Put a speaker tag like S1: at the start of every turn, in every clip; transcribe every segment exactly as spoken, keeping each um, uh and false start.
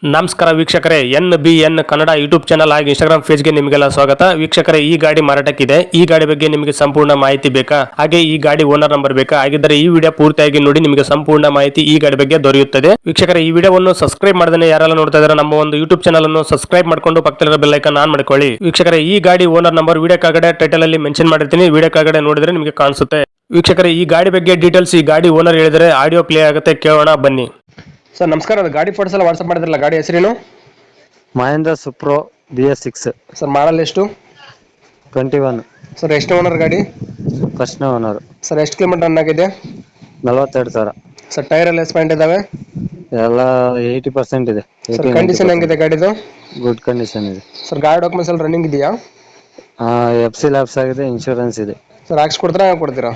S1: ನಮಸ್ಕಾರ ವೀಕ್ಷಕರೇ, N B N Kannada YouTube channel ಹಾಗೂ ಇನ್ಸ್ಟಾಗ್ರಾಮ್ ಪೇಜ್ಗೆ ನಿಮಗೆಲ್ಲ ಸ್ವಾಗತ. ವೀಕ್ಷಕರೇ, ಈ ಗಾಡಿ ಮಾರಾಟಕ್ಕಿದೆ. ಈ ಗಾಡಿ ಬಗ್ಗೆ ನಿಮಗೆ ಸಂಪೂರ್ಣ ಮಾಹಿತಿ ಬೇಕಾ, ಹಾಗೆ ಈ ಗಾಡಿ ಓನರ್ ನಂಬರ್ ಬೇಕಾ? ಹಾಗಿದ್ದರೆ ಈ ವಿಡಿಯೋ ಪೂರ್ತಿಯಾಗಿ ನೋಡಿ, ನಿಮಗೆ ಸಂಪೂರ್ಣ ಮಾಹಿತಿ ಈ ಗಾಡಿ ಬಗ್ಗೆ ದೊರೆಯುತ್ತದೆ. ವೀಕ್ಷಕರೇ, ಈ ವಿಡಿಯೋವನ್ನು ಸಬ್ಸ್ಕ್ರೈಬ್ ಮಾಡದೇ ಯಾರೆಲ್ಲ ನೋಡ್ತಾ ಇದ್ದಾರೆ ನಮ್ಮ ಒಂದು ಯೂಟ್ಯೂಬ್ ಚಾನಲ್ ಅನ್ನು ಸಬ್ಸ್ಕ್ರೈಬ್ ಮಾಡ್ಕೊಂಡು ಪಕ್ಕದಲ್ಲಿರೋ ಬೆಲ್ ಐಕಾನ್ ಆನ್ ಮಾಡ್ಕೊಳ್ಳಿ. ವೀಕ್ಷಕರೇ, ಈ ಗಾಡಿ ಓನರ್ ನಂಬರ್ ವಿಡಿಯೋ ಕೆಳಗಡೆ ಟೈಟಲ್ ಅಲ್ಲಿ ಮೆನ್ಷನ್ ಮಾಡಿರ್ತೀನಿ, ವಿಡಿಯೋ ಕೆಳಗಡೆ ನೋಡಿದ್ರೆ ನಿಮಗೆ ಕಾಣಿಸುತ್ತೆ. ವೀಕ್ಷಕರೇ, ಈ ಗಾಡಿ ಬಗ್ಗೆ ಡೀಟೇಲ್ಸ್ ಈ ಗಾಡಿ ಓನರ್ ಹೇಳಿದರೆ ಆಡಿಯೋ ಪ್ಲೇ ಆಗುತ್ತೆ, ಕೇಳೋಣ ಬನ್ನಿ. ಸರ್ ನಮಸ್ಕಾರ, ಅದು ಗಾಡಿ ಫೋಟೋಸ್ ಎಲ್ಲ ವಾಟ್ಸ್ಆಪ್ ಮಾಡಿದ್ರಲ್ಲ, ಗಾಡಿ ಹೆಸರೇನು?
S2: Mahindra Supro B S six.
S1: Sir model ಎಷ್ಟು?
S2: Twenty one.
S1: ಸರ್ ಎಷ್ಟು ಓನರ್ ಗಾಡಿ?
S2: First owner.
S1: ಸರ್ ಎಷ್ಟು ಕಿಲೋಮೀಟರ್ ರನ್ ಆಗಿದೆ?
S2: ನಲವತ್ತೆರಡು ಸಾವಿರ.
S1: ಸರ್ ಟೈರ್ ಎಲ್ಲ ಎಷ್ಟು ಪಾಯಿಂಟ್ ಇದಾವೆ?
S2: ಎಲ್ಲ ಏಯ್ಟಿ ಪರ್ಸೆಂಟ್ ಇದೆ.
S1: ಸರ್ ಕಂಡೀಷನ್ ಹೆಂಗಿದೆ ಗಾಡಿದು?
S2: ಗುಡ್ ಕಂಡೀಷನ್ ಇದೆ.
S1: ಸರ್ ಗಾಡಿ ಡಾಕ್ಯುಮೆಂಟ್ಸ್ ಎಲ್ಲ ರನ್ನಿಂಗ್ ಇದೆಯಾ?
S2: ಎಫ್ ಸಿ ಲ್ಯಾಬ್ಸ್ ಆಗಿದೆ, ಇನ್ಶೂರೆನ್ಸ್ ಇದೆ.
S1: ಸರ್ ಹಾಕ್ಸ್ಕೊಡ್ತೀರಾ, ಹಂಗೆ ಕೊಡ್ತೀರಾ?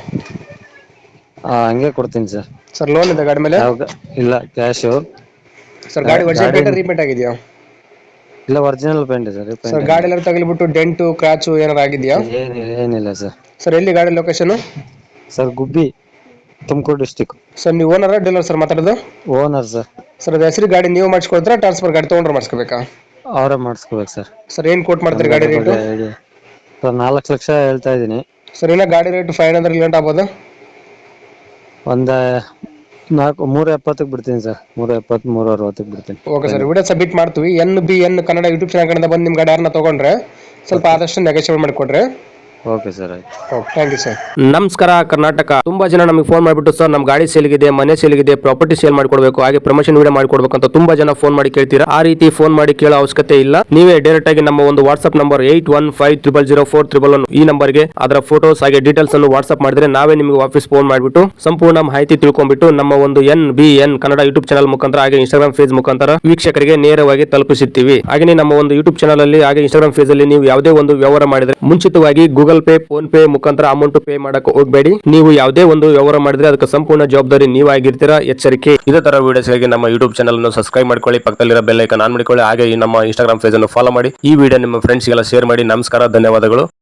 S2: ಆ, ಹಂಗೆ ಕೊಡ್ತೀನಿ ಸರ್.
S1: ಸರ್ ಲೋನ್ ಇದೆ ಗಾಡಿ ಮೇಲೆ?
S2: ಯಾವ ಇಲ್ಲ, ಕ್ಯಾಶು.
S1: ಸರ್ ಗಾಡಿ ವರ್ಷ ಪೇಂಟ್ ರೀಪೇಂಟ್ ಆಗಿದೆಯಾ?
S2: ಇಲ್ಲ, ಒರಿಜಿನಲ್ ಪೇಂಟ್ ಸರ್.
S1: ಸರ್ ಗಾಡಿ ಎಲ್ಲ ತಗಲಿಬಿಟ್ಟು ಡೆಂಟು ಕ್ರಾಚು ಏನಾರು ಆಗಿದೆಯಾ?
S2: ಏನಿಲ್ಲ ಏನಿಲ್ಲ ಸರ್.
S1: ಸರ್ ಎಲ್ಲಿ ಗಾಡಿ location?
S2: Sir Gubbi, Tumakuru district.
S1: Sir ನೀವು ಓನರ್ ಡೀಲರ್ ಸರ್ ಮಾತಾಡೋದು?
S2: Owner sir.
S1: ಸರ್ ಅದು ಹೆಸರು ಗಾಡಿ ನೀವು ಮಾಡಿಸ್ಕೊಡ್ತೀರಾ, ಟ್ರಾನ್ಸ್ಫರ್ ಗಾಡಿ ತೊಗೊಂಡ್ರೆ ಮಾಡಿಸ್ಕೋಬೇಕಾ?
S2: ಅವರೇ ಮಾಡಿಸ್ಕೋಬೇಕು ಸರ್.
S1: ಸರ್ ಏನು ಕೋಟ್ ಮಾಡ್ತೀರಿ ಗಾಡಿ ರೇಟು?
S2: ಸರ್ ನಾಲ್ಕು ಲಕ್ಷ ಹೇಳ್ತಾ ಇದ್ದೀನಿ.
S1: ಸರ್ ಏನೋ ಗಾಡಿ ರೇಟ್ ಫೈವ್ ಹಂಡ್ರೆಡ್ ಲೇಟ್ ಆಗ್ಬೋದು?
S2: ಒಂದ ನಾಲ್ಕು ಮೂರ ಎಪ್ಪತ್ತಕ್ಕೆ ಬಿಡ್ತೀನಿ ಸರ್. ಮೂರ ಎಪ್ಪತ್ತು ಮೂರ ಅರವತ್ತಕ್ಕೆ ಬಿಡ್ತೀನಿ.
S1: ಓಕೆ ಸರ್, ವಿಡಿಯೋ ಸಬ್ಮಿಟ್ ಮಾಡ್ತೀವಿ. N B N Kannada YouTube channel ಕಡೆಯಿಂದ ಬಂದು ನಿಮ್ಮ ಗಾಡಿ ಯಾರನ್ನ ತೊಗೊಂಡ್ರೆ ಸ್ವಲ್ಪ ಆದಷ್ಟು ನೆಗೋಷಿಯೇಟ್ ಮಾಡಿಕೊಡ್ರಿ.
S2: ಓಕೆ ಸರ್, ಆಯ್ತು.
S1: Okay, thank you sir. ನಮಸ್ಕಾರ ಕರ್ನಾಟಕ. ತುಂಬಾ ಜನ ನಮಗೆ ಫೋನ್ ಮಾಡಿಬಿಟ್ಟು ಸರ್ ನಮ್ಮ ಗಾಡಿ ಸೇಲ್ಗಿದೆ, ಮನೆ ಸೇಲ್ಗಿದೆ, ಪ್ರಾಪರ್ಟಿ ಸೇಲ್ ಮಾಡ್ಕೊಡ್ಬೇಕು, ಹಾಗೆ ಪ್ರಮೋಷನ್ ವಿಡಿಯೋ ಮಾಡ್ಕೊಡ್ಬೇಕು ಅಂತ ತುಂಬಾ ಜನ ಫೋನ್ ಮಾಡಿ ಕೇಳ್ತೀರಾ. ಆ ರೀತಿ ಫೋನ್ ಮಾಡಿ ಕೇಳೋ ಅವಶ್ಯಕತೆ ಇಲ್ಲ. ನೀವೇ ಡೈರೆಕ್ಟ್ ಆಗಿ ನಮ್ಮ ಒಂದು WhatsApp number eight one five triple zero four triple one ಈ ನಂಬರ್ಗೆ ಅದರ ಫೋಟೋಸ್ ಹಾಗೆ ಡೀಟೇಲ್ಸ್ ಅನ್ನು ವಾಟ್ಸ್ಆಪ್ ಮಾಡಿದ್ರೆ ನಾವೇ ನಿಮಗೆ ವಾಪಸ್ ಫೋನ್ ಮಾಡಿಬಿಟ್ಟು ಸಂಪೂರ್ಣ ಮಾಹಿತಿ ತಿಳ್ಕೊಂಡ್ಬಿಟ್ಟು ನಮ್ಮ ಒಂದು N B N Kannada YouTube channel ಮುಖಾಂತರ ಹಾಗೆ ಇನ್ಸ್ಟಾಗ್ರಾಮ್ ಪೇಜ್ ಮುಖಾಂತರ ವೀಕ್ಷಕರಿಗೆ ನೇರವಾಗಿ ತಲುಪಿಸುತ್ತೀವಿ. ಹಾಗೆ ನಮ್ಮ ಒಂದು ಯೂಟ್ಯೂಬ್ ಚಾನಲ್ ಅಲ್ಲಿ ಹಾಗೆ ಇನ್ಸ್ಟಾಗ್ರಾಮ್ ಪೇಜ್ ಅಲ್ಲಿ ನೀವು ಯಾವುದೇ ಒಂದು ವ್ಯವಹಾರ ಮಾಡಿದ್ರೆ ಮುಂಚಿತವಾಗಿ ಗೂಗಲ್ ಪೇ, ಫೋನ್ ಪೇ ಮುಖಾಂತರ ಅಮೌಂಟ್ ಪೇ ಮಾಡಕ್ಕೆ ಹೋಗಬೇಡಿ. ನೀವು ಯಾವುದೇ ಒಂದು ವ್ಯವಹಾರ ಮಾಡಿದ್ರೆ ಅದಕ್ಕೆ ಸಂಪೂರ್ಣ ಜವಾಬ್ದಾರಿ ನೀವಾಗಿರ್ತೀರಾ, ಎಚ್ಚರಿಕೆ. ಇದೇ ತರ ವಿಡಿಯೋಸ್ಗಾಗಿ ನಮ್ಮ ಯೂಟ್ಯೂಬ್ ಚಾನಲ್ ಅನ್ನು ಸಬ್ಸ್ಕ್ರೈಬ್ ಮಾಡ್ಕೊಳ್ಳಿ, ಪಕ್ಕದಲ್ಲಿರೋ ಬೆಲ್ ಐಕಾನ್ ಆನ್ ಮಾಡಿಕೊಳ್ಳಿ, ಹಾಗೆ ಈ ನಮ್ಮ ಇನ್ಸ್ಟಾಗ್ರಾಮ್ ಪೇಜ್ ಅನ್ನು ಫಾಲೋ ಮಾಡಿ. ಈ ವಿಡಿಯೋ ನಿಮ್ಮ ಫ್ರೆಂಡ್ಸ್ಗೆಲ್ಲ ಶೇರ್ ಮಾಡಿ. ನಮಸ್ಕಾರ, ಧನ್ಯವಾದಗಳು.